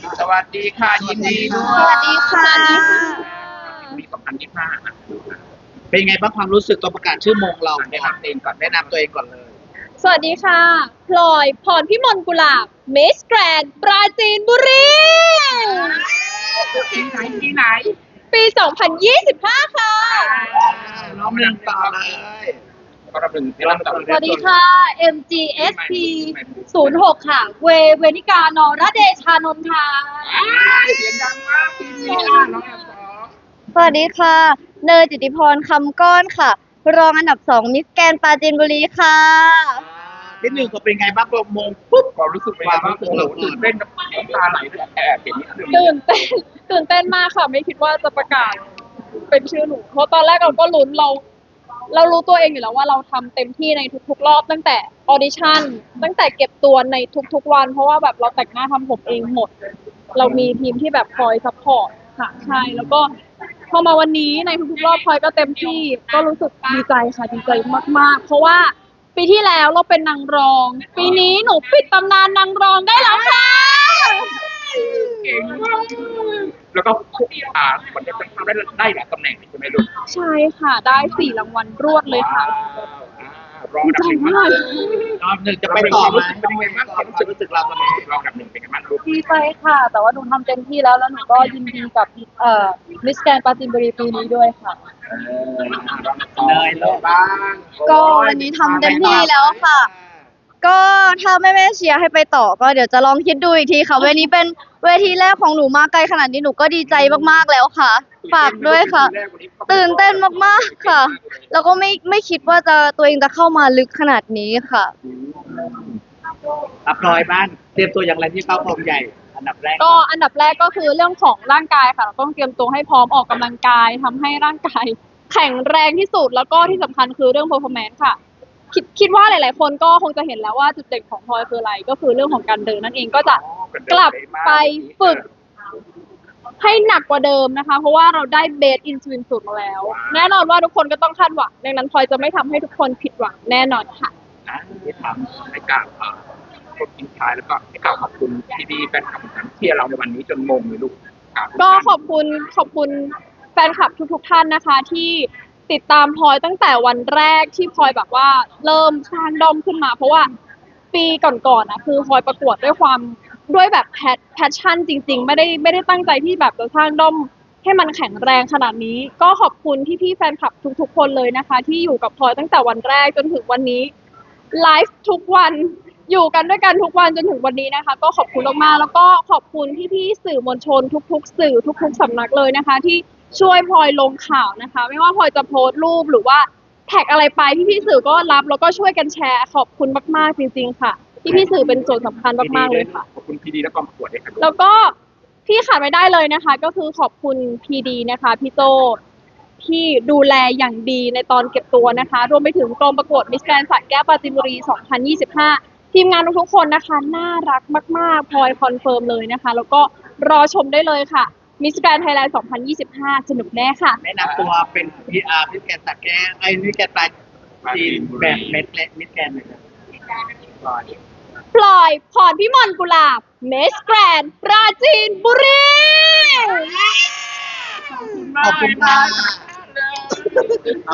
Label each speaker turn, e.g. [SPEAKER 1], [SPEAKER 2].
[SPEAKER 1] สวัสดีค่ะยินดีด้ว
[SPEAKER 2] ส
[SPEAKER 1] ย
[SPEAKER 2] วัสดีค่ะ
[SPEAKER 1] ปี2025
[SPEAKER 3] เป็นไงบ้างความรู้สึกตอนประกาศชื่อมงเราแนะนำตัวเองก่อนเลย
[SPEAKER 2] สวัสดีค่ะพลอยพรพิมลกุหลาบมิสแกรนด์ปราจีนบุรี
[SPEAKER 1] ปีไหน
[SPEAKER 2] ปี 2025 ค่ะ
[SPEAKER 3] น้องหนึ่งต่อเลย
[SPEAKER 1] ก็รับหนึ่งที่รับต่อ
[SPEAKER 2] สวัสดีค่ะ MGSP 06 ค่ะ เวนิกานอระเดชานนท์ค่ะ
[SPEAKER 1] เสียงดังมากปีนี้น้องแอมสอง
[SPEAKER 4] สวัสดีค่ะ เนยจิตติพรคำก้อนค่ะ รองอันดับ2มิสแกรนด์ปราจีนบุรีค่ะ
[SPEAKER 3] ที่หนึ่งก็เป็นไงบ้างพอมงปุ๊บ
[SPEAKER 1] ความรู้สึกเป็นไงบ้างตื่นเต้นกับน้ำตาไหลเลยแอบเห็นนิดนึง
[SPEAKER 2] ตื่นเต้นมากค่ะ ไม่คิดว่าจะประกาศเป็นชื่อหนู เพราะตอนแรกเราก็ลุ้นเรารู้ตัวเองอยู่แล้วว่าเราทำเต็มที่ในทุกๆรอบตั้งแต่ออดิชั่นตั้งแต่เก็บตัวในทุกๆวัน เพราะว่าแบบเราแต่งหน้าทำผมเองหมด เรามีทีมที่แบบคอยซัพพอร์ตค่ะใช่แล้วก็พอมาวันนี้ในทุกๆรอบพลอยก็เต็มที่ก็รู้สึกดีใจค่ะดีใจมากๆ เพราะว่าปีที่แล้วเราเป็นนางรอง ปีนี้หนูปิดตำนานนางรองได้แล้วค่ะ
[SPEAKER 1] เก่งมากแล้วก็วันนี้จะทำได้หลายตำแหน่งใช่ไหมลูก
[SPEAKER 2] ใช่ค่ะได้4 รางวัลรวดเลยค่ะ
[SPEAKER 1] รองอันดับหนึ่ง
[SPEAKER 2] ดีใจมาก
[SPEAKER 3] รอบหนึ่งจะไปต่อไหม
[SPEAKER 1] เป็นยังไงบ้างความรู้สึกเราตอนนี้รองอันดับหนึ่งเป็นยังไงบ้างลูก
[SPEAKER 2] ดีใจค่ะ แต่ว่าหนูทำเต็มที่แล้วหนูก็ยินดีกับมิสแกรนด์ปราจีนบุรีปีนี้ด้วยค่ะ
[SPEAKER 3] เนยเลย
[SPEAKER 1] บ้าง
[SPEAKER 4] ก็วันนี้ทำเต็มที่แล้วค่ะ ก็ถ้าแม่เชียร์ให้ไปต่อก็เดี๋ยวจะลองคิดดูอีกทีค่ะเวทีนี้เป็นเวทีแรกของหนูมาไกลขนาดนี้หนูก็ดีใจมากๆแล้วค่ะ ฝากด้วยค่ะ ตื่นเต้นมากๆค่ะ แล้วก็ไม่คิดว่าตัวเองจะเข้ามาลึกขนาดนี้ค่ะ
[SPEAKER 3] พลอยบ้างเตรียมตัวอย่างไรที่เข้ากองใหญ่ อันดับแรก
[SPEAKER 2] ก็อันดับแรกก็คือเรื่องของร่างกายค่ะเราต้องเตรียมตัวให้พร้อมออกกำลังกายทำให้ร่างกายแข็งแรงที่สุดแล้วก็ที่สำคัญคือเรื่อง performance ค่ะ คิดว่าหลายๆคนก็คงจะเห็นแล้วว่าจุดเด่นของพลอยคืออะไร ก็คือเรื่องของการเดินนั่นเองก็จะกลับไปฝึกให้หนักกว่าเดิมนะคะ เพราะว่าเราได้เบสอินสวินสูตรมาแล้ว แน่นอนว่าทุกคนก็ต้องคาดหวังดังนั้นพลอยจะไม่ทำให้ทุกคนผิดหวังแน่นอนค่ะ
[SPEAKER 1] ที่ทำให้กับคนทิ้งท้ายแล้วก็ให้กล่าวขอบคุณที่ดีแฟนคลับของเชียร์เราในวันนี้จนมงเลยลูก
[SPEAKER 2] ก็ขอบคุณแฟนคลับทุกท่านนะคะ ที่ติดตามพลอยตั้งแต่วันแรกที่พลอยแบบว่าเริ่มสร้างด้อมขึ้นมา เพราะว่าปีก่อนๆนะคือพลอยประกวดด้วยแบบแพชชั่นจริงๆไม่ได้ตั้งใจที่แบบจะสร้างด้อมให้มันแข็งแรงขนาดนี้ ก็ขอบคุณพี่ๆแฟนคลับทุกๆคนเลยนะคะ ที่อยู่กับพลอยตั้งแต่วันแรกจนถึงวันนี้ไลฟ์ทุกวันอยู่กันด้วยกันทุกวันจนถึงวันนี้นะคะ ก็ขอบคุณมากๆแล้วก็ขอบคุณพี่ๆสื่อมวลชนทุกๆสื่อทุกๆสำนักเลยนะคะ ที่ช่วยพลอยลงข่าวนะคะ ไม่ว่าพลอยจะโพสต์รูปหรือว่าแท็กอะไรไปพี่ๆสื่อก็รับแล้วก็ช่วยกันแชร์ขอบคุณมากๆจริงๆค่ะพี่ๆสื่อเป็นส่วนสำคัญมากๆเลยค่ะ
[SPEAKER 1] ขอบคุณพีดีและกองประกวดด้วยค่ะ
[SPEAKER 2] แล้วก็ที่ขาดไม่ได้เลยนะคะ ก็คือขอบคุณพีดีนะคะพี่โจที่ดูแลอย่างดีในตอนเก็บตัวนะคะ รวมไปถึงกองประกวดมิสแกรนด์สระแก้วปราจีนบุรี 2025 ทีมงานทุกๆคนนะคะน่ารักมากๆพลอยคอนเฟิร์มเลยนะคะ แล้วก็รอชมได้เลยค่ะมิสแกรนด์ไทยแลนด์ 2025 สนุกแน่ค่ะ
[SPEAKER 3] แนะนำตัวเป็นPR มิสแกรนด์สักแก้มิสแกรนด์ปลายจีนแบบเม็ดเล็กมิสแกรนด์เลยครับ
[SPEAKER 2] พลอยพรพิมลกุหลาบมิสแกรนด์ปราจีนบุรี
[SPEAKER 3] ขอบคุณค่ะ